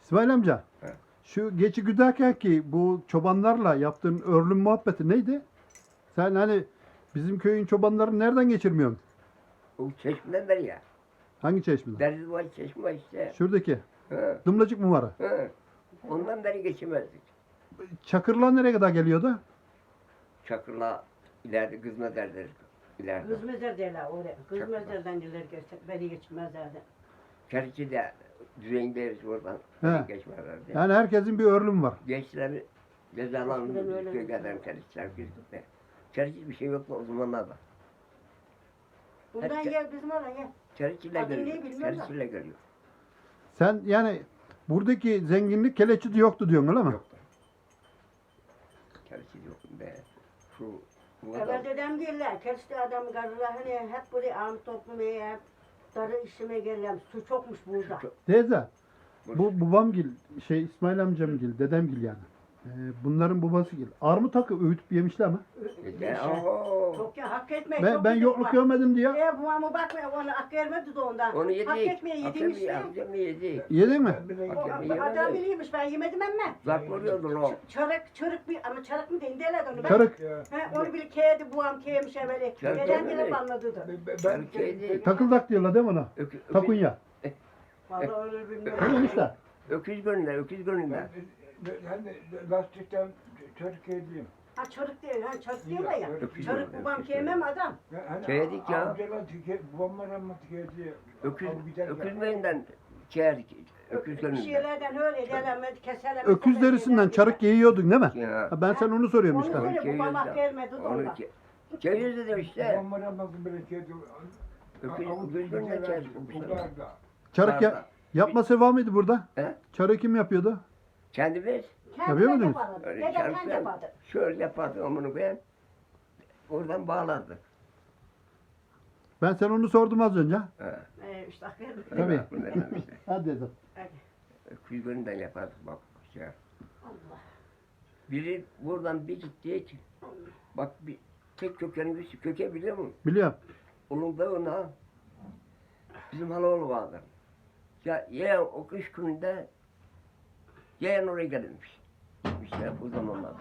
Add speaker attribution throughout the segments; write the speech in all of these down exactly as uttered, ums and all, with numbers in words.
Speaker 1: İsmail amca,
Speaker 2: He.
Speaker 1: şu geçi güderken ki bu çobanlarla yaptığın örlüm muhabbeti neydi? Sen hani bizim köyün çobanlarını nereden geçirmiyorsun?
Speaker 2: O çeşmeden beri ya.
Speaker 1: Hangi çeşmeden?
Speaker 2: Deniz var, çeşme var işte.
Speaker 1: Şuradaki.
Speaker 2: Hı,
Speaker 1: Dımlacık mı var?
Speaker 2: hı. Ondan beri geçemezdik.
Speaker 1: Çakırlar nereye kadar geliyordu?
Speaker 2: Çakırla ileride kızma derler. İleride.
Speaker 3: Kız mezar derler oraya. Kız
Speaker 2: Çok
Speaker 3: mezardan gelir geçer. Beni geçmezlerdi.
Speaker 2: Çerçi de düzendeyiz oradan.
Speaker 1: He.
Speaker 2: Beri geçmezlerdi.
Speaker 1: Yani herkesin bir örlüm var.
Speaker 2: Gençler cezalarını
Speaker 3: Eskiden öyle.
Speaker 2: köylerden çerçiler girdi. Çerçi bir şey yoktu o zamanlarda.
Speaker 3: Buradan
Speaker 2: Hep-
Speaker 3: gel bizim oraya gel.
Speaker 2: Çerçiyle
Speaker 3: Adını
Speaker 2: geliyor.
Speaker 3: bilmem de.
Speaker 2: Çerçiyle geliyor.
Speaker 1: Sen yani buradaki zenginlik keleçide yoktu diyorsun öyle mi?
Speaker 2: Yoktu. Çerçi yok be. Şu bu
Speaker 3: Evvel
Speaker 2: adam
Speaker 3: dedem gelirler. Keriste adam karılar hani hep buraya ağım toplamaya hep darı işime gelirler. Su çokmuş burada.
Speaker 2: çok-
Speaker 1: Teyze, bu babamgil, şey İsmail amcamgil, dedemgil yani. Ee, bunların babasıgil. Armut takı öğütüp yemişler mi?
Speaker 2: Ya, oho.
Speaker 3: Çok ya hak etmeye
Speaker 1: Ben,
Speaker 3: çok
Speaker 1: ben
Speaker 3: yedik
Speaker 1: yokluk
Speaker 3: bak.
Speaker 1: görmedim diye.
Speaker 3: E babamı bakma onu hak vermedi de ondan.
Speaker 2: Onu
Speaker 3: Hak
Speaker 2: yedik.
Speaker 3: etmeye yedin
Speaker 2: Akşam
Speaker 3: işte.
Speaker 2: akşam yedik.
Speaker 1: Yedin mi?
Speaker 3: O,
Speaker 2: Akşam
Speaker 3: adam
Speaker 2: yedik.
Speaker 3: biliymiş ben yemedim ama.
Speaker 2: Zak vuruyordu o.
Speaker 3: Çarık çarık bir ama çarık mı deyin derler onu. Ben,
Speaker 1: Çarık.
Speaker 3: He, onu bir keydi buam keymiş evveli.
Speaker 2: Çarık
Speaker 3: Dedem
Speaker 2: öyle
Speaker 3: bile
Speaker 2: mi?
Speaker 3: banladı da.
Speaker 2: Ben şeydi.
Speaker 1: Takıldak diyorlar değil mi ona?
Speaker 2: Ökü, ökü,
Speaker 1: Takunya.
Speaker 3: Vallahi öyle bilmiyorum.
Speaker 1: Tamam işte.
Speaker 2: öküz gönlünden, öküz gönlünden.
Speaker 4: Hani lastikten Türkiye'deyim.
Speaker 3: Ha çarık değil, ha çarık diyorlar ya.
Speaker 2: Öküz
Speaker 3: Çarık
Speaker 2: öyle,
Speaker 3: babam
Speaker 2: öküz
Speaker 3: kemem adam.
Speaker 4: Hani
Speaker 2: Şeydik ya.
Speaker 4: Amcalar tike, babamlar ama Türkiye'de.
Speaker 2: Öküz,
Speaker 4: Al gider
Speaker 2: öküz
Speaker 4: ya.
Speaker 2: gönlünden çeğerdik. Öküz
Speaker 3: Bir
Speaker 2: gönlünden.
Speaker 3: şeylerden öyle delemedi, keselemedi.
Speaker 1: Öküz derisinden çarık giyiyordun değil mi?
Speaker 2: Ya.
Speaker 1: Ha, ben sen onu soruyorum
Speaker 3: Onu
Speaker 1: işte.
Speaker 3: söyle babam hak vermedi de
Speaker 2: Onu
Speaker 3: ondan.
Speaker 2: ki. Ceviz dedim işte.
Speaker 4: Babamlar ama böyle Türkiye'de.
Speaker 2: Öküz,
Speaker 4: Avuç
Speaker 2: öküz gönlünden
Speaker 4: gider,
Speaker 2: çeğerdik.
Speaker 4: uzar da.
Speaker 1: Çarık ya, yapma seva mıydı burada?
Speaker 2: He?
Speaker 1: Çarığı kim yapıyordu?
Speaker 2: Kendimiz
Speaker 1: Yapıyor muydunuz?
Speaker 3: yapardı.
Speaker 2: öyle
Speaker 3: Dedem kendi
Speaker 2: çarpıdan
Speaker 3: yapardı.
Speaker 2: şöyle yapardık onu ben. Oradan bağlardık.
Speaker 1: Ben sen onu sordum az önce.
Speaker 2: He.
Speaker 3: Ee, işte hak vermedi.
Speaker 1: Tabii.
Speaker 2: Aklımda efendim işte.
Speaker 1: Hadi dedim.
Speaker 3: Hadi.
Speaker 2: Öküz gönlünden yapardık bak. Şey.
Speaker 3: Allah.
Speaker 2: Biri buradan bir gittik. Bak bir tek kökenin üstü köke biliyor musun?
Speaker 1: Biliyorum.
Speaker 2: Onun dağına bizim halaoğlu vardı. Ya yeğen o kış gününde yeğen oraya gelirmiş. İşte bu zamanlarda.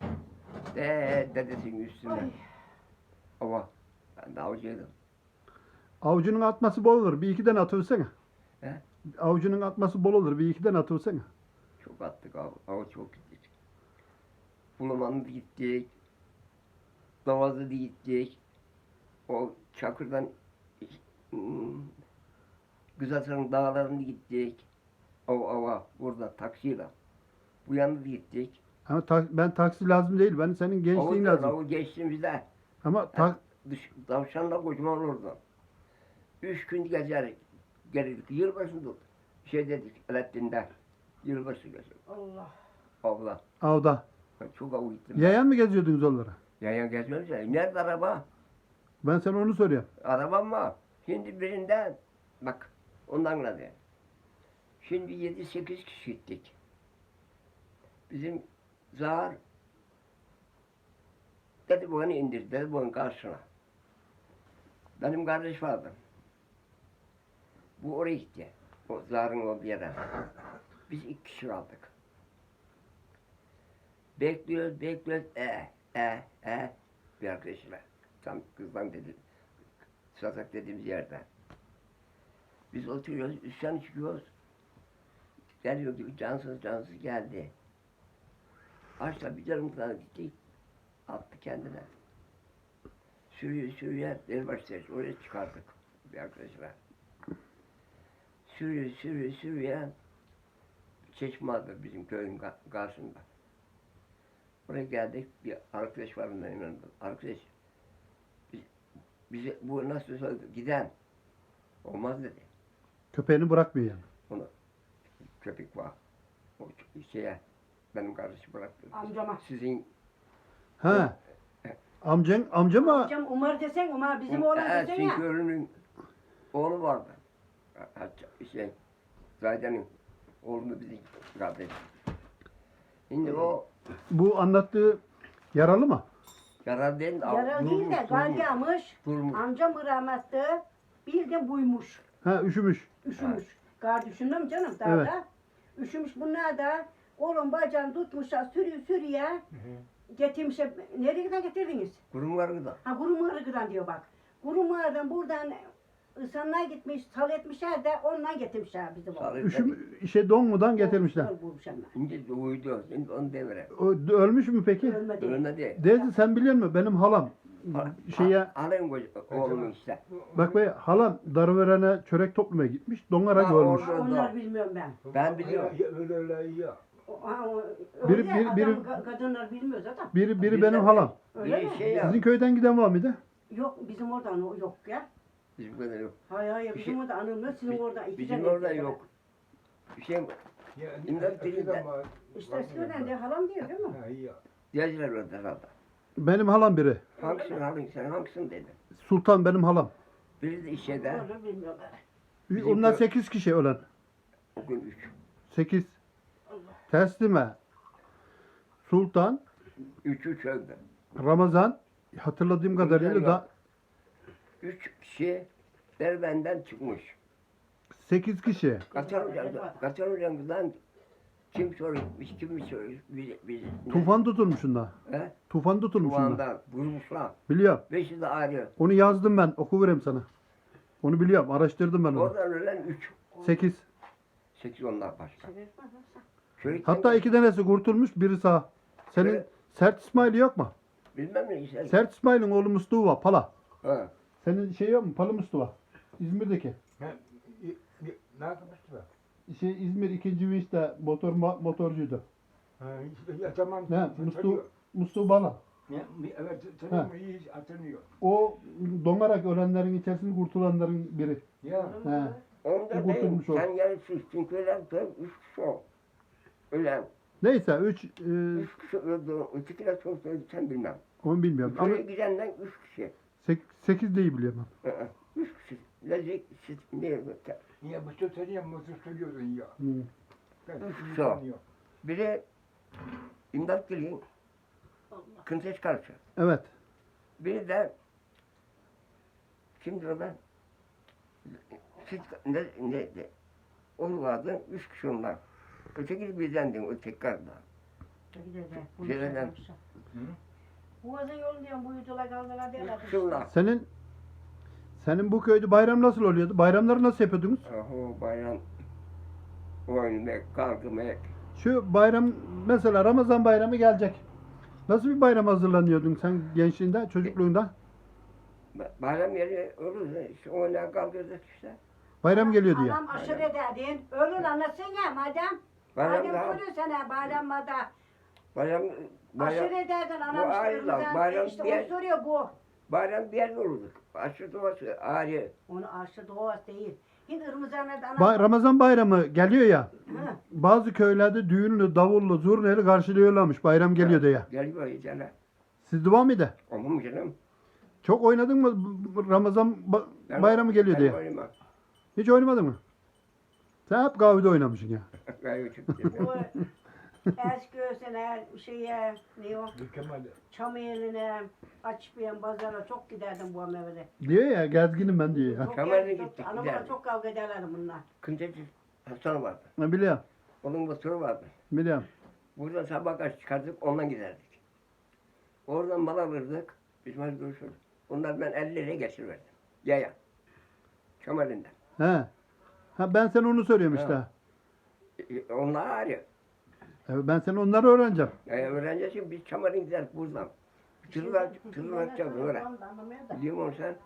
Speaker 2: De dedesinin üstüne.
Speaker 3: Ay.
Speaker 2: Ama ben de avcıydım.
Speaker 1: Avucunun atması bol olur. Bir iki tane atıversene.
Speaker 2: He?
Speaker 1: Avucunun atması bol olur. Bir iki tane atıversene.
Speaker 2: Çok attık av, av çok gittik. Bulaman'da gittik. Davaz'da gittik. O Çakır'dan hmm, Güzelsan'ın dağlarına gittik. Av ava burada taksiyle. Bu yana da gittik.
Speaker 1: Ama ta- ben taksi lazım değil. Ben senin gençliğin
Speaker 2: Avı,
Speaker 1: lazım.
Speaker 2: avı geçtiğimizde
Speaker 1: Ama ta-
Speaker 2: dış, tavşanla kocaman orada. Üç gün gezer gelirdik. Yılbaşında şey dedik Alaaddin'de. Yılbaşı gezer.
Speaker 3: Allah.
Speaker 2: Avla.
Speaker 1: avda.
Speaker 2: Ben çok av gittim.
Speaker 1: Yayan mı geziyordunuz onlara?
Speaker 2: Yayan gezmiyoruz ya. Nerede araba?
Speaker 1: Ben sana onu soruyorum.
Speaker 2: Arabam var. Şimdi birinden bak ondan da de. Şimdi yedi sekiz kişi gittik. Bizim Zahar dedi bunu indir, dedi bunun karşına. Benim kardeş vardı. Bu oraya gitti. O Zahar'ın olduğu yere. Biz iki kişi kaldık. Bekliyoruz, bekliyoruz. E, e, e. Bir arkadaşla. Tam kızdan dedi. Satak dediğimiz yerde. Biz oturuyoruz, üstten çıkıyoruz. Geliyor gibi cansız cansız geldi. Açla bir yarım tane gitti. Attı kendine. Sürüyor sürüyor. Derbaştayız. Oraya çıkardık bir arkadaşla. Sürüyor sürüyor sürüyor. Çeşme vardır bizim köyün ka- karşısında. Oraya geldik. Bir arkadaş var benim yanımda. Arkadaş biz, bize bu nasıl söyledi? Giden. Olmaz dedi.
Speaker 1: Köpeğini bırakmıyor yani.
Speaker 2: Onu köpek var. O şeye benim kardeşim bıraktı.
Speaker 3: Amcama.
Speaker 2: Sizin
Speaker 1: Ha. Amcan, amca mı?
Speaker 3: Amcam Umar desen Umar bizim oğlan
Speaker 2: Evet,
Speaker 3: desen ya.
Speaker 2: Sinkörü'nün oğlu vardı. Hatta şey Zaydan'ın oğlunu bizim kardeş. Şimdi o
Speaker 1: Bu anlattığı yaralı mı?
Speaker 2: yarar değil.
Speaker 3: Yaralı değil de galyamış.
Speaker 2: Durmuş.
Speaker 3: Amcam rahmetli bir de buymuş.
Speaker 1: Ha üşümüş.
Speaker 3: Üşümüş. Gar düşündüm canım daha
Speaker 1: Evet.
Speaker 3: da. Üşümüş bunlar da kolun bacağını tutmuşlar sürüyor sürüyor. Getirmişler. Nereye kadar getirdiniz?
Speaker 2: Kurum var gıda.
Speaker 3: Ha Kurumağırı'dan diyor bak. Kurumağırı'dan buradan insanlar gitmiş, sal etmişler de ondan getirmişler bizi bu.
Speaker 2: Sağlık.
Speaker 1: Üşüm, şey donmadan getirmişler.
Speaker 3: Bulmuşlar.
Speaker 2: Şimdi doğuydu. Şimdi onu devre.
Speaker 1: O, ölmüş mü peki?
Speaker 3: Ölmedi.
Speaker 2: Ölmedi.
Speaker 1: Dedi sen biliyor musun benim halam şeye
Speaker 2: Alayım oğlumu işte.
Speaker 1: bak be halam Darıveren'e çörek toplamaya gitmiş. Donarak
Speaker 2: Ha,
Speaker 1: ölmüş.
Speaker 2: orada.
Speaker 3: Onlar bilmiyorum ben.
Speaker 2: Ben biliyorum.
Speaker 4: Öyle öyle iyi ya.
Speaker 3: O- ha, o-
Speaker 1: Biri-
Speaker 3: öyle
Speaker 1: biri-
Speaker 3: adam,
Speaker 1: biri-
Speaker 3: ka- kadınlar bilmiyor zaten.
Speaker 1: Biri biri
Speaker 2: Biz
Speaker 1: benim
Speaker 2: de-
Speaker 1: halam.
Speaker 3: Öyle
Speaker 2: Bir
Speaker 3: mi?
Speaker 2: şey ya.
Speaker 1: Sizin köyden giden var mıydı?
Speaker 3: Yok bizim oradan o yok ya.
Speaker 2: Bizim kadar yok.
Speaker 3: Hayır hayır
Speaker 2: Bir
Speaker 3: bizim
Speaker 2: şey-
Speaker 3: orada anılmıyor sizin oradan. iki
Speaker 2: Bizim
Speaker 3: tane
Speaker 2: orada
Speaker 3: erkek var.
Speaker 2: yok. Bir şey
Speaker 4: Ya,
Speaker 2: İmdat
Speaker 4: eskiden
Speaker 2: dilinde.
Speaker 4: var.
Speaker 3: İşte eskiden de halam diyor değil mi?
Speaker 4: Ha, iyi ya.
Speaker 2: Diyeciler orada herhalde.
Speaker 1: Benim halam biri.
Speaker 2: Hangisini halin sen hangisini dedi.
Speaker 1: Sultan benim halam.
Speaker 2: Biri de işede.
Speaker 3: Onu bilmiyorlar.
Speaker 2: Bizim
Speaker 1: Onlar
Speaker 2: köy-
Speaker 1: sekiz kişi ölen.
Speaker 2: O gün üç.
Speaker 1: Sekiz. Teslime. Sultan.
Speaker 2: Üç üç öldü.
Speaker 1: Ramazan. Hatırladığım kadarıyla da
Speaker 2: Üç kişi Derbenden çıkmış.
Speaker 1: sekiz kişi.
Speaker 2: Kaçar hocam, Kaçar hocamızdan kim sormuş, kim mi sormuş, biz, biz
Speaker 1: Tufan tutulmuşunda.
Speaker 2: He?
Speaker 1: Tufan tutulmuşunda.
Speaker 2: Tuvandan vurmuşlar.
Speaker 1: Biliyorum.
Speaker 2: Beşi de ayrı.
Speaker 1: Onu yazdım ben. Okuvereyim sana. Onu biliyorum. Araştırdım ben onu.
Speaker 2: Oradan ölen üç.
Speaker 1: Sekiz.
Speaker 2: Sekiz onlar başka.
Speaker 3: Sebep var mı?
Speaker 2: Çocuk
Speaker 1: Hatta iki tanesi kurtulmuş. Biri sağ. Senin
Speaker 2: Evet.
Speaker 1: Sert İsmail yok mu?
Speaker 2: bilmem ne işte.
Speaker 1: Sert İsmail'in oğlu Mustafa Pala.
Speaker 2: Ha.
Speaker 1: Senin şey yok mu? Palı Mustafa. İzmir'deki.
Speaker 4: Ha, i- i- Ne yapmıştı be?
Speaker 1: Şey İzmir ikinci vinçte motor motorcuydu.
Speaker 4: Ha, işte, ya tamam.
Speaker 1: Ne?
Speaker 4: tanıyor.
Speaker 1: Mustafa Mustafa Bala.
Speaker 4: Ya, Evet, tanıyorum, iyi hatırlıyor.
Speaker 1: O donarak ölenlerin içerisinde kurtulanların biri.
Speaker 4: Ya,
Speaker 1: He.
Speaker 2: Onda
Speaker 1: O
Speaker 2: değil.
Speaker 1: kurtulmuş o.
Speaker 2: Sen yarısı çünkü ölen tabii üç kişi o. Ölen.
Speaker 1: Neyse üç e,
Speaker 2: Üç kişi öldü. Öteki de çok öldü sen bilmem.
Speaker 1: onu bilmiyorum. Ama
Speaker 2: Şuraya gidenden üç kişi.
Speaker 1: sek, sekiz değil biliyorum.
Speaker 2: Hı hı. Üç kişi. Lezik, siz ne öte.
Speaker 4: ya bu söz tanıyan bu söz söylüyordun ya.
Speaker 1: Hı.
Speaker 4: Ben
Speaker 2: Üç
Speaker 4: şimdi
Speaker 2: kişi o.
Speaker 4: tanıyorum.
Speaker 2: Biri imdat geliyor. Kınteş karşı.
Speaker 1: Evet.
Speaker 2: Biri de kimdir o ben? Siz ne, ne, ne? O vardı, üç kişi onlar. Öteki bizdendim, öteki karda. Şeylerden.
Speaker 3: Boğazın yolu diyorum bu yüzüyle kaldılar diyorlar.
Speaker 2: Üç kişi onlar.
Speaker 1: Senin senin bu köyde bayram nasıl oluyordu? Bayramları nasıl yapıyordunuz?
Speaker 2: Oho bayram oynamak, kalkmak.
Speaker 1: Şu bayram mesela Ramazan bayramı gelecek. Nasıl bir bayram hazırlanıyordun sen gençliğinde, çocukluğunda?
Speaker 2: Bayram yeri olur, işte oynayan kalkıyorduk işte.
Speaker 1: Bayram geliyor diye.
Speaker 3: Anam aşırı dedin. Öyle anlatsana madem.
Speaker 2: Bayram
Speaker 3: Madem
Speaker 2: daha,
Speaker 3: soruyor sana bayramda.
Speaker 2: bayram, bayram,
Speaker 3: Aşırı dedin anam
Speaker 2: Bu
Speaker 3: işte
Speaker 2: ayrı lan,
Speaker 3: Irmızan-
Speaker 2: bayram
Speaker 3: işte
Speaker 2: diye-
Speaker 3: onu soruyor bu.
Speaker 2: bayram bir yerde olurduk. Aşı doğası ayrı.
Speaker 3: Onu aşı doğası değil. Şimdi Irmızan'da anam.
Speaker 1: Ba- Ramazan bayramı geliyor ya.
Speaker 3: Hı.
Speaker 1: Bazı köylerde düğünlü, davullu, zurnayla karşılıyorlarmış. Bayram geliyor diye.
Speaker 2: Geliyor iyicene.
Speaker 1: Siz devam mıydı?
Speaker 2: Olmam canım.
Speaker 1: Çok oynadın mı bu- bu Ramazan ba-
Speaker 2: Ben-
Speaker 1: bayramı geliyor
Speaker 2: ben
Speaker 1: diye?
Speaker 2: oynamam.
Speaker 1: Hiç oynamadın mı? Sen hep kahvede oynamışsın ya.
Speaker 2: Gayet çok
Speaker 3: Bu Eskişehir'e, şeye, ne o,
Speaker 4: Mükemmel.
Speaker 3: Çameli'ne, Açıkbiyen pazara çok giderdim bu amevede.
Speaker 1: Diyor ya gezginim ben diyor ya.
Speaker 3: Çok
Speaker 2: Çameli'ne
Speaker 3: geldim, çok-
Speaker 2: gittik,
Speaker 3: Anamla
Speaker 2: giderdik.
Speaker 3: çok kavga ederlerdi bunlar.
Speaker 2: Kınteci Hasan vardı.
Speaker 1: Ha, biliyorum.
Speaker 2: Onun motoru vardı.
Speaker 1: Biliyorum.
Speaker 2: Buradan sabah kaç çıkardık, ondan giderdik. Oradan mal alırdık. Biz mal görüşürdük. Onlar ben elli liraya geçirverdim. Yaya. Çameli'nden.
Speaker 1: He. Ha, ben sana onu soruyorum işte.
Speaker 2: Ha. E, Onlar ayrı.
Speaker 1: Evet, ben sana onları öğreneceğim.
Speaker 2: Yani öğrencisi biz Çameli'ne giderdik buradan. Tırlar, tırlar açacağız öyle.
Speaker 3: Anlamıyor da.
Speaker 2: Biliyor musun sen?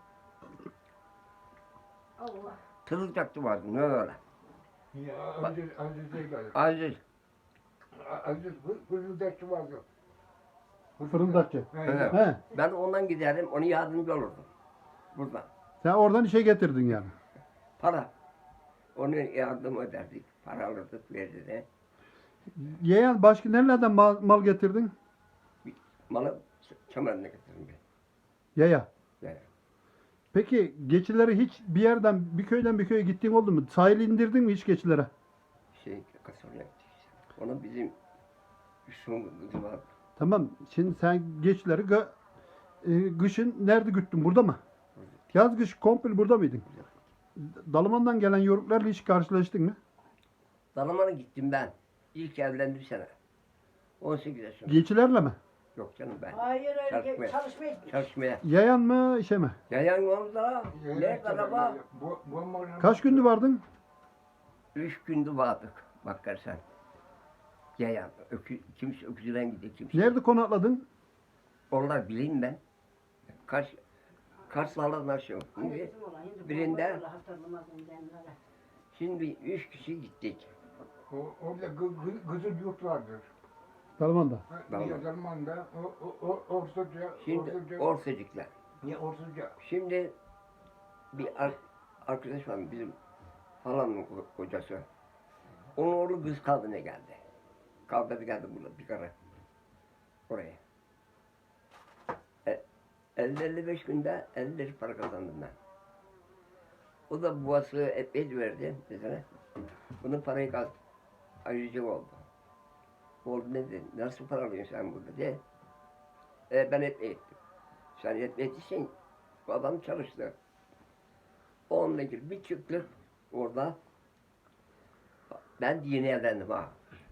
Speaker 3: Allah.
Speaker 2: Tırıl taktı vardı, ne öyle.
Speaker 4: Ya Aziz, Aziz değil galiba.
Speaker 2: Aziz.
Speaker 4: Aziz fırıldakçı vardı.
Speaker 1: Fırıldakçı.
Speaker 4: He,
Speaker 2: Evet.
Speaker 4: ya.
Speaker 1: He.
Speaker 2: Ben ondan giderdim, onu yardımcı olurdum. Buradan.
Speaker 1: Sen oradan işe getirdin yani.
Speaker 2: Para. Onu yardım ederdik. Para alırdık, verirdi de.
Speaker 1: Yeğen başka nerelerden mal, mal getirdin?
Speaker 2: Malı Çameli'ne getirdim ben.
Speaker 1: Yaya.
Speaker 2: Yani.
Speaker 1: Peki geçileri hiç bir yerden, bir köyden bir köye gittiğin oldu mu? Sahil indirdin mi hiç geçilere?
Speaker 2: Şey, kasabaya gittik işte. Onun bizim Yusuf'un kızı vardı.
Speaker 1: Tamam. Şimdi sen geçileri gı- e, kışın nerede güttün? Burada mı? Yaz kış komple burada mıydın? Dalaman'dan gelen yoruklarla hiç karşılaştın mı?
Speaker 2: Dalaman'a gittim ben. İlk evlendim sene. on sekiz yaşında.
Speaker 1: Geçilerle mi?
Speaker 2: Yok canım ben.
Speaker 3: Hayır öyle
Speaker 2: Çalışmaya.
Speaker 3: çalışmaya gitmiş.
Speaker 2: Çalışmaya.
Speaker 1: Yayan mı işe mi?
Speaker 2: Yayan orada. Ne araba?
Speaker 4: Bu, bu malın-
Speaker 1: Kaç gündü vardın?
Speaker 2: Üç gündü vardık. Bak sen. Yayan. Ökü, kimse öküzüden gidiyor kimse.
Speaker 1: Nerede konakladın?
Speaker 2: Onlar bileyim ben. Kaç Karslarla nasıl?
Speaker 3: Hayır,
Speaker 2: Şimdi,
Speaker 3: bizim olan, şimdi
Speaker 2: birinde-
Speaker 3: bu hatırlamaz onları.
Speaker 2: şimdi üç kişi gittik.
Speaker 4: O, orada gı, gı, Kızıl Yurt vardır.
Speaker 1: Dalaman'da.
Speaker 4: Ha,
Speaker 2: Tamam.
Speaker 4: niye Zalman'da, o, o, o, Ortaca,
Speaker 2: Şimdi
Speaker 4: Ortaca,
Speaker 2: Orsacıklar.
Speaker 4: niye Ortaca?
Speaker 2: Şimdi bir ar- arkadaş var bizim halamın ko- kocası. Onun oğlu kız kaldığına geldi. Kaldırdı geldi burada bir kere. Oraya. E, elli elli beş günde elli lira para kazandım ben. O da babası epey verdi mesela. Bunun parayı kaz ayırıcı oldu. Oldu ne dedi? Nasıl para alıyorsun sen burada diye. E, ben epey ettim. Sen epey ettiysen bu adam çalıştı. Onunla ilgili bir çıktık orada. Ben de yeni evlendim ha.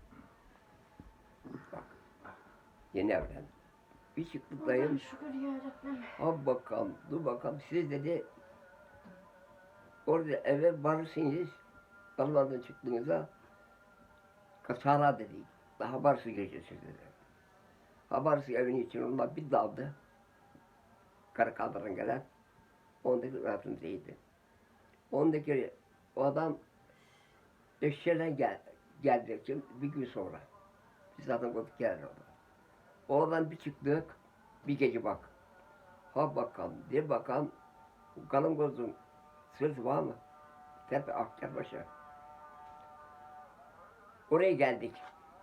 Speaker 2: Bak. Yeni evlendim. Bir çıktık dayım.
Speaker 3: Allah'ım şükür yarabbim.
Speaker 2: Ha bakalım, dur bakalım. Siz dedi orada eve varırsınız. Allah'tan çıktığınızda kasara dedi. Daha varsı gireceksiniz dedi. Habersiz evin için onlar bir daldı. Karı kaldıran gelen. Ondaki rahatım değildi. Ondaki o adam eşeğden gel, gelecek için bir gün sonra. Biz zaten koyduk gelir orada. Oradan bir çıktık. Bir gece bak. Ha bakalım, de bakalım. Kalın gözün sırtı var mı? Tepe Akçabaşı. Oraya geldik.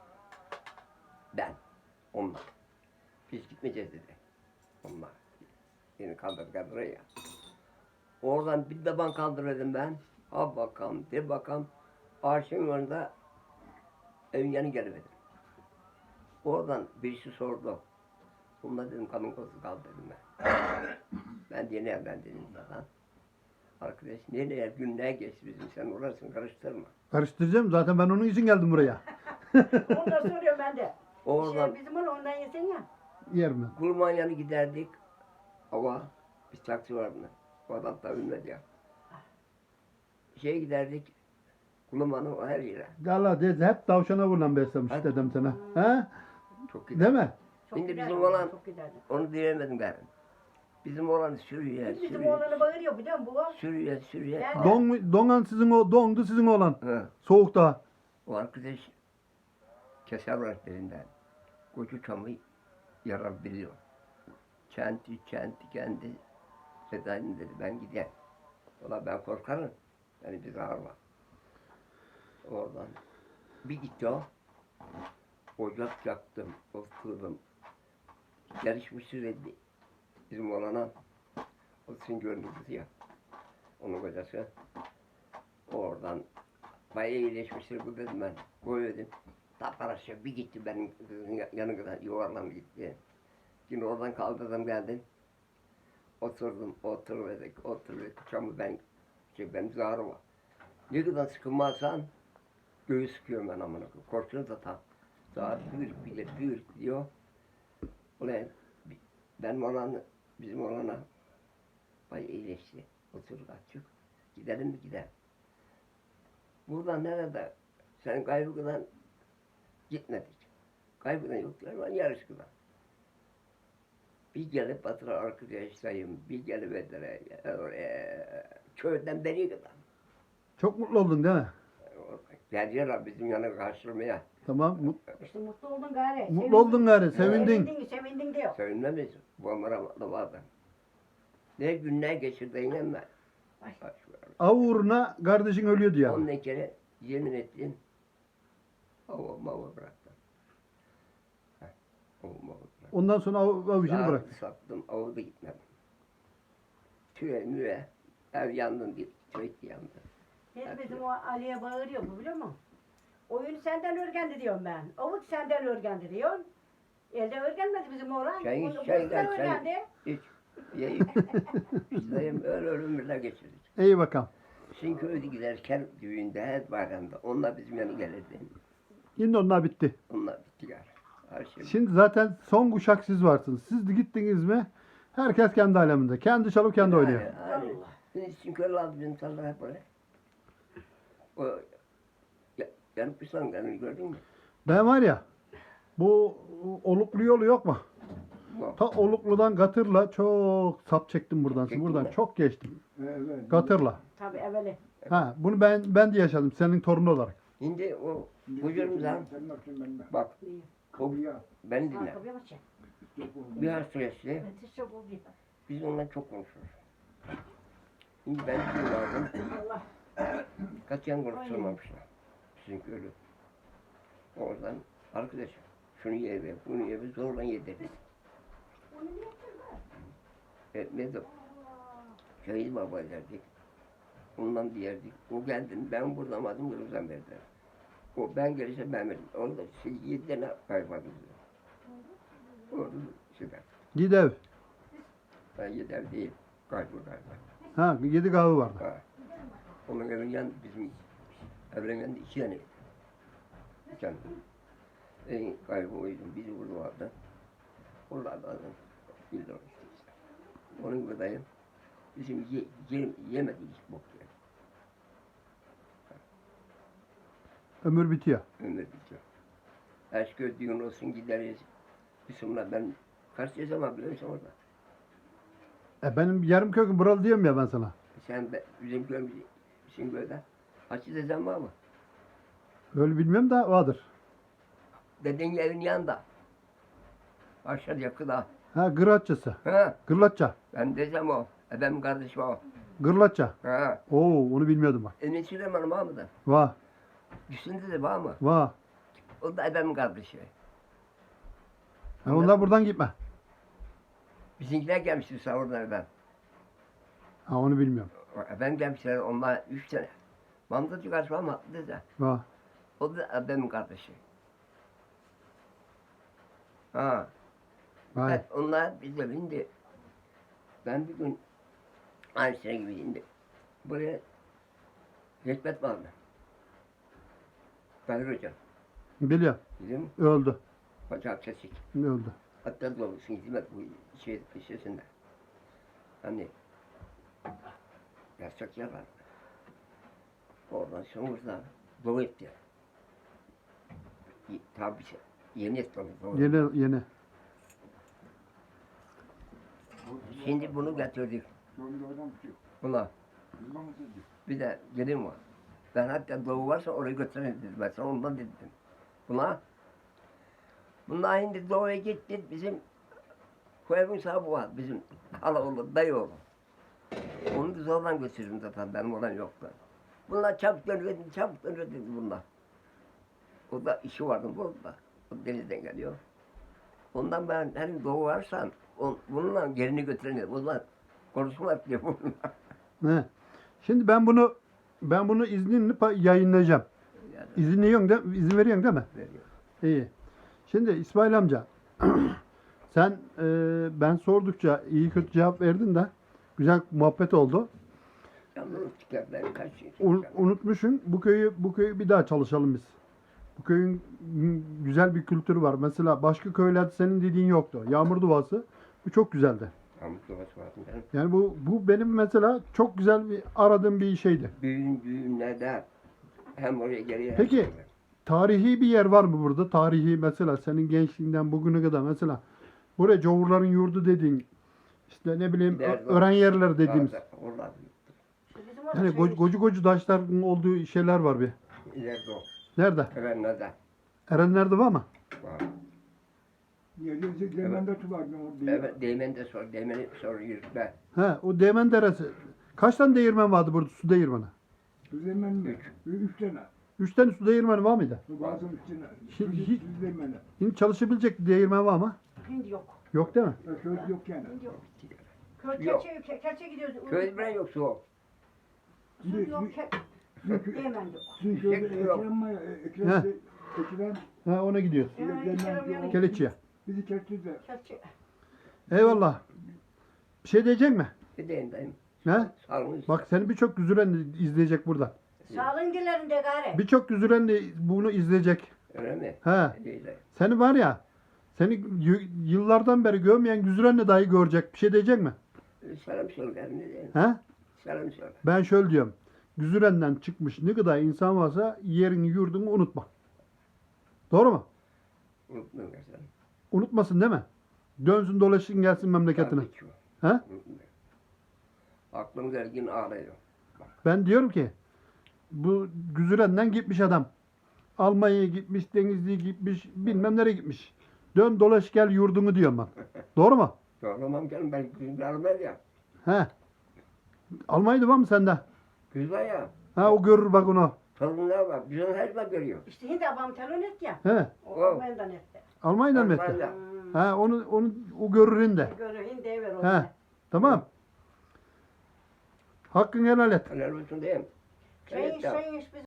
Speaker 2: Ben. Onlar. Biz gitmeyeceğiz dedi. Onlar. Beni kaldırdı kaldırıyor ya. Oradan bir taban kaldırdım ben. Ha bakalım, de bakalım. Ağaçın önünde evin yanı geliverdim. Oradan birisi sordu. Bunda dedim kanın kozu kaldı dedim ben. Ben yeni evlendim zaten. Arkadaş nereye günler geçti bizim sen orasını karıştırma.
Speaker 1: Karıştıracağım. Zaten ben onun için geldim buraya.
Speaker 3: Onu da soruyorum ben de.
Speaker 2: Oradan
Speaker 3: Şey, bizim onu ondan yesen ya.
Speaker 1: Yer mi?
Speaker 2: Kulmanyan'a giderdik. Ama bir taksi var buna. O adam da ölmedi ya. Şeye giderdik. Kulman'ın o her yere.
Speaker 1: Allah dedi hep tavşana vurulan beslemiş
Speaker 2: Hadi.
Speaker 1: dedim sana. Ha?
Speaker 2: Çok
Speaker 1: Değil
Speaker 2: gider.
Speaker 1: mi?
Speaker 3: Çok
Speaker 2: Şimdi
Speaker 3: giderdi,
Speaker 2: bizim olan-
Speaker 3: Çok giderdi.
Speaker 2: Onu diyemedim ben. Bizim olan sürüyor,
Speaker 3: Bizim
Speaker 2: sürüyor.
Speaker 3: oğlanı bağırıyor biliyor musun bu?
Speaker 2: Sürüyor, sürüyor.
Speaker 3: Ben-
Speaker 1: Don, mu- donan sizin o dondu sizin oğlan.
Speaker 2: Ha.
Speaker 1: Soğukta.
Speaker 2: O arkadaş keser öğretlerinden. Koca çamı yarabiliyor. Çenti, çenti kendi Seday'ın dedi ben gider. Valla ben korkarım. Yani biz ağırla. Oradan bir gitti o. Ocak yaktım, oturdum. Yarışmışız dedi. Bizim olana. O sizin gördüğünüz ya. Onun kocası. Oradan bayağı iyileşmiştir bu dedim ben. Koy dedim. Tapar aşağı bir gitti benim kızın yanına yuvarlanıp gitti. Şimdi oradan kaldırdım geldim. Oturdum, oturmadık, oturmadık. Çamı ben, şey benim zarı var. Ne kadar sıkılmazsan göğü sıkıyorum ben amına koyayım. Korkuyorum da tam. Zar büyür, bilir, büyür diyor. Ulan benim olan, bizim olana bayağı iyileşti. Oturduk açık. Gidelim mi gidelim. Buradan nerede? Sen Kaybıkı'dan gitmedik. Kaybıkı'dan yoklar ama Yarışkı'dan. Bir gelip Batıra arkadaşlarım, bir gelip Bedre, oraya, köyden beri kadar.
Speaker 1: Çok mutlu oldun değil mi?
Speaker 2: Geldiler bizim yana karşılamaya.
Speaker 1: Tamam. mu-
Speaker 3: İşte mutlu oldun gari.
Speaker 1: Mutlu oldun gari. Sevindin.
Speaker 3: Sevindin, sevindin diyor.
Speaker 2: Sevinmemiz, bu amara vardı. Ne günler geçirdi yine ben.
Speaker 3: Ay.
Speaker 1: Av uğruna kardeşin ölüyordu ya.
Speaker 2: Ondan kere yemin ettim. Ava mava bıraktım. Heh, Ava mava bıraktım.
Speaker 1: Ondan sonra av, av işini
Speaker 2: Saat
Speaker 1: bıraktı.
Speaker 2: sattım, ava da gitmedim. Tüye müye, ev yandın diye, köy yandı.
Speaker 3: Biz bizim o Ali'ye bağırıyor bu biliyor musun? Oyunu senden örgendi diyorum ben. Avut senden örgendi diyorsun. Elde örgenmedi bizim oğlan.
Speaker 2: Çay iç,
Speaker 3: Bunu-
Speaker 2: çay
Speaker 3: bundan
Speaker 2: gel, çay.
Speaker 3: örgendi.
Speaker 2: Hiç, ye iç. Biz dayım öyle ömürler geçirdik.
Speaker 1: İyi bakalım.
Speaker 2: Sizin köyde giderken düğünde, her bayramda onlar bizim yanı gelirdi.
Speaker 1: Şimdi onlar bitti.
Speaker 2: Onlar bitti yani. Her şey.
Speaker 1: Şimdi zaten son kuşak siz varsınız. Siz de gittiniz mi herkes kendi aleminde. Kendi çalıp kendi oynuyor.
Speaker 2: Yani, yani. Şimdi sizin köylü aldı bizim tarla hep oraya. O ya, yanıp bir sangarını gördün mü?
Speaker 1: Ben var ya bu Oluklu yolu yok mu?
Speaker 2: Bak.
Speaker 1: Ta Oluklu'dan Gatır'la çok sap çektim buradan.
Speaker 2: Çektin
Speaker 1: Buradan
Speaker 2: mi?
Speaker 1: çok geçtim.
Speaker 4: Evet.
Speaker 1: Gatır'la.
Speaker 3: Tabii evveli.
Speaker 1: Ha, bunu ben ben de yaşadım senin torun olarak.
Speaker 2: Şimdi o hocamızdan
Speaker 4: Sen nasılsın ben de?
Speaker 2: bak o
Speaker 4: Ya.
Speaker 2: beni dinle.
Speaker 3: Kapıya bak çek.
Speaker 2: Bir hastayası
Speaker 3: Ben de çok oluyor.
Speaker 2: biz onunla çok konuşuruz. Şimdi ben bir vardım.
Speaker 3: Allah.
Speaker 2: Katiyen konuşturmamışlar. Sizin köylü. Oradan arkadaşım şunu ye ve bunu ye ve zorla yedirdik. E, ne de şehit baba derdik. Ondan diyerdik. O geldi ben burada madım Kırım'dan verdiler. O ben gelirse ben veririm. Orada şey, yedi tane kayboldu. Orada süper.
Speaker 1: Gidev.
Speaker 2: Ben yeter değil. Kaybol galiba.
Speaker 1: Ha, yedi kahve vardı.
Speaker 2: Ha. Onun evinin yan bizim evlerin yanında iki tane. Bir tane. En kayboldum. Biri burada vardı. Oralardan bildim işte. Onun gibi dayım. Bizim ye, ye, yemedik hiç bok yani.
Speaker 1: Ömür bitiyor.
Speaker 2: Ömür bitiyor. Eski düğün olsun gideriz. Bismillah ben kaç yaşama biliyor musun orada?
Speaker 1: E benim yarım köküm buralı diyorum ya ben sana.
Speaker 2: Sen be, bizim köyümüz, bizim köyde. Hacı dedem var mı?
Speaker 1: Öyle bilmiyorum da vardır.
Speaker 2: Dedenin evinin yanında. Aşağı yakıda.
Speaker 1: Ha, Gırlatçası.
Speaker 2: Ha,
Speaker 1: Gırlatça.
Speaker 2: ben dedem o. E benim kardeşim o.
Speaker 1: Gırlatça.
Speaker 2: Ha.
Speaker 1: Oo, onu bilmiyordum bak.
Speaker 2: Emin Süleyman var mı da?
Speaker 1: Va,
Speaker 2: Üstünde de var mı?
Speaker 1: va.
Speaker 2: O da benim kardeşi.
Speaker 1: Ha, onlar buradan gitme.
Speaker 2: Bizimkiler gelmişti sahurdan ben.
Speaker 1: Ha, onu bilmiyorum.
Speaker 2: Ben gelmişler onlar üç tane. Mamdacı karşı var mı? Dedi.
Speaker 1: Va.
Speaker 2: O da benim kardeşi. Ha.
Speaker 1: Vay.
Speaker 2: Evet, onlar bize bindi. Ben bir gün aynı sene gibi indi. Buraya Hikmet vardı. Kadir Hocam.
Speaker 1: Biliyorum.
Speaker 2: Biliyor musun?
Speaker 1: Öldü.
Speaker 2: Bacak kesik.
Speaker 1: Öldü.
Speaker 2: Hatta doğrusu hizmet bu şey işesinde. Hani yasak yer var. Oradan sonra doğu etti. Y- Tabii şey. Yeni etti onu. doğru.
Speaker 1: Yeni yeni.
Speaker 2: Şimdi bunu getirdik buna. Bir de gelin var. Ben hatta doğu varsa oraya götürelim dedim. Ben sana ondan dedim. Buna. Bunlar şimdi doğuya gitti. Bizim köyümün sahibi var. Bizim hala oğlu, dayı oğlu. Onu da zorla götürdüm zaten. Benim olan yoktu. Bunlar çabuk dönüverdi, çabuk dönüverdi bunlar. O da işi vardı burada. O denizden geliyor. Ondan ben hani doğu varsan on, bununla gelini götürelim. O zaman konuşma diyor bunlar.
Speaker 1: Ne? Şimdi ben bunu ben bunu izninle pa- yayınlayacağım.
Speaker 2: Yani
Speaker 1: İzinliyorsun de, izin veriyorsun değil mi?
Speaker 2: veriyor.
Speaker 1: İyi. Şimdi İsmail amca sen e, ben sordukça iyi kötü cevap verdin de güzel muhabbet oldu.
Speaker 2: Yalnız tükenler kaç şey.
Speaker 1: Un- unutmuşsun bu köyü bu köyü bir daha çalışalım biz. Bu köyün m, güzel bir kültürü var. Mesela başka köylerde senin dediğin yoktu. Yağmur duası bu çok güzeldi.
Speaker 2: Pamuk duası vardı benim.
Speaker 1: Yani bu bu benim mesela çok güzel bir aradığım bir şeydi.
Speaker 2: Düğün düğünlerde hem oraya geliyor.
Speaker 1: Peki.
Speaker 2: hem şuraya.
Speaker 1: Tarihi bir yer var mı burada? Tarihi mesela senin gençliğinden bugüne kadar mesela buraya Cavurların yurdu dediğin işte ne bileyim
Speaker 2: Nerede?
Speaker 1: ö- öğren yerler dediğimiz.
Speaker 2: Orada- Oralar.
Speaker 3: İşte bizim orada
Speaker 1: Yani
Speaker 3: şey-
Speaker 1: gocu gocu, gocu taşların olduğu şeyler var bir.
Speaker 2: İleride o.
Speaker 1: Nerede?
Speaker 2: Erenler'de
Speaker 1: Erenler'de var mı?
Speaker 2: var.
Speaker 4: Yedinci Clemende tutardım orada.
Speaker 2: Evet, değmen de sor, değmeni soruyoruz ben.
Speaker 1: He, o Değmen Deresi. Kaç tane değirmen vardı burada su değirmeni?
Speaker 4: Düzemen üç tane.
Speaker 1: Üç tane su değirmeni var mıydı?
Speaker 4: Bazı üstüne.
Speaker 1: Şimdi hiç-
Speaker 4: Düzemene.
Speaker 1: Şimdi çalışabilecek değirmen var mı?
Speaker 3: Hindi yok.
Speaker 1: Yok değil mi?
Speaker 4: Söz yok yani.
Speaker 3: Hindi yok. Köy
Speaker 2: Yok.
Speaker 3: keçe, ke- keçe gidiyoruz.
Speaker 2: Köy bilen yok su.
Speaker 3: Su yok. Ke- Hemen yok.
Speaker 4: Sizin köyde Ekrem var ya, Ekrem,
Speaker 1: Heh.
Speaker 4: de- Ekrem,
Speaker 1: He, ona gidiyoruz.
Speaker 3: Ya,
Speaker 4: Clemende
Speaker 3: Ekrem
Speaker 4: o-
Speaker 1: Keleçi'ye.
Speaker 4: bizi kesti de.
Speaker 3: Keçe.
Speaker 1: Eyvallah. Bir şey diyecek mi?
Speaker 2: Bir deyin dayım.
Speaker 1: He?
Speaker 2: Sağlığınız.
Speaker 1: Bak seni birçok güzüren izleyecek burada.
Speaker 3: Sağlığın dillerinde gari.
Speaker 1: Birçok güzüren de bunu izleyecek.
Speaker 2: Öyle mi?
Speaker 1: He.
Speaker 2: İyi de.
Speaker 1: Seni var ya, seni y- yıllardan beri görmeyen güzürenle dahi görecek. Bir şey diyecek mi?
Speaker 2: Selam söyle. Ne diyeyim?
Speaker 1: He?
Speaker 2: Selam söyle.
Speaker 1: Ben şöyle diyorum. Güzürenden çıkmış ne kadar insan varsa yerini yurdunu unutma. Doğru mu?
Speaker 2: Unutmayın sen.
Speaker 1: Unutmasın değil mi? Dönsün dolaşsın gelsin memleketine.
Speaker 2: Tabii ki.
Speaker 1: He?
Speaker 2: Unutmayın. Aklım dergin ağrıyor.
Speaker 1: Ben diyorum ki bu güzürenden gitmiş adam. Almanya'ya gitmiş, Denizli'ye gitmiş, bilmem nereye gitmiş. Dön dolaş gel yurdunu diyorum ben. Doğru mu?
Speaker 2: Doğramam canım ben güzel almaz ya.
Speaker 1: He. Almanya'da var mı sende?
Speaker 2: Güzel ya.
Speaker 1: Ha o görür bak onu.
Speaker 2: Torunlar var. Güzel her zaman görüyor.
Speaker 3: İşte hindi babam telefon etti ya.
Speaker 1: He.
Speaker 3: O
Speaker 2: Oh.
Speaker 3: Almanya'dan etti.
Speaker 1: Almanya'dan mı etti?
Speaker 2: Almanya.
Speaker 3: Hmm.
Speaker 1: Ha onu onu o görürün de.
Speaker 3: Görü hindi ver
Speaker 1: He.
Speaker 3: onu.
Speaker 1: Tamam. Hakkını helal et.
Speaker 2: Helal olsun diyeyim.
Speaker 3: Çay iç, çay iç biz